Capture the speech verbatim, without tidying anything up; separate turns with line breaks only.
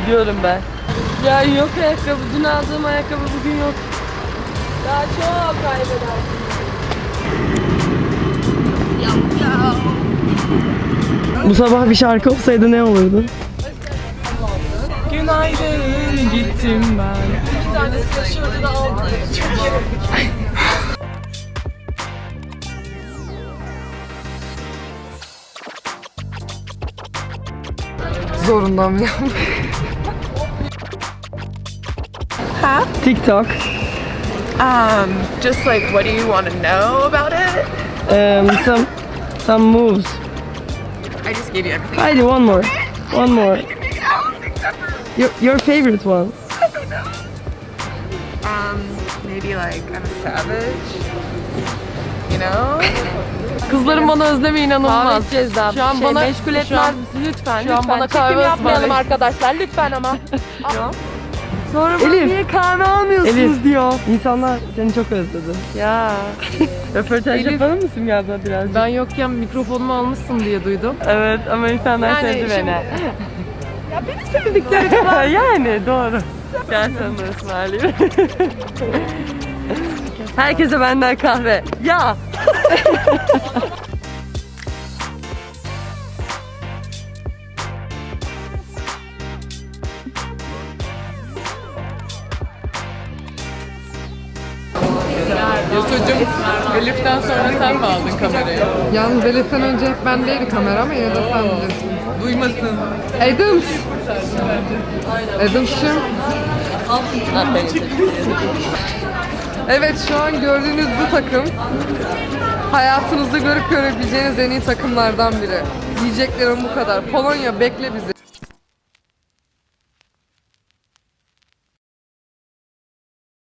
Gidiyorum ben. Ya yok ayakkabı. Dün aldığım ayakkabı bugün yok. Daha çok kaybedersin. Bu sabah bir şarkı olsaydı ne olurdu? Günaydın gittim ben. İki tanesi yaşıyordu da aldı.
Zorundan mı?
Huh?
TikTok.
Um, just like, what do you want to know about it?
Um, some some moves.
I just gave you everything.
Haydi one more. One more. Your, your favorite one.
Um, maybe like I'm a savage. You know?
Kızların bana özlemi inanılmaz.
Cezam.
Şu an
şey,
bana
meşgul
şu
etmez
an-
misin lütfen?
şu an
lütfen.
bana
Çekim
kahve
yapmayalım
ısmarlayın.
arkadaşlar lütfen ama.
Sonra bana niye kahve almıyorsunuz Elif, diyor. İnsanlar seni çok özledi.
Ya.
Röportaj
Elif,
yapalım mısın ya da birazcık?
Ben yokken mikrofonumu almışsın diye duydum.
Evet ama insanlar
Yani
sevdi
şimdi-
beni.
Ya beni sevdikleri kadar.
Yani doğru. Gel sana da ısmarlayayım. Herkese benden kahve. Ya.
Yasucuğum, Elif'ten sonra sen mi aldın kamerayı?
Yalnız Elif'ten önce hep bendeydi kamera ama yine de sen bilirsin.
Duymasın.
Adams! Adams'cığım. Evet, şu an gördüğünüz bu takım hayatınızda görüp görebileceğiniz en iyi takımlardan biri. Diyeceklerim bu kadar. Polonya bekle bizi.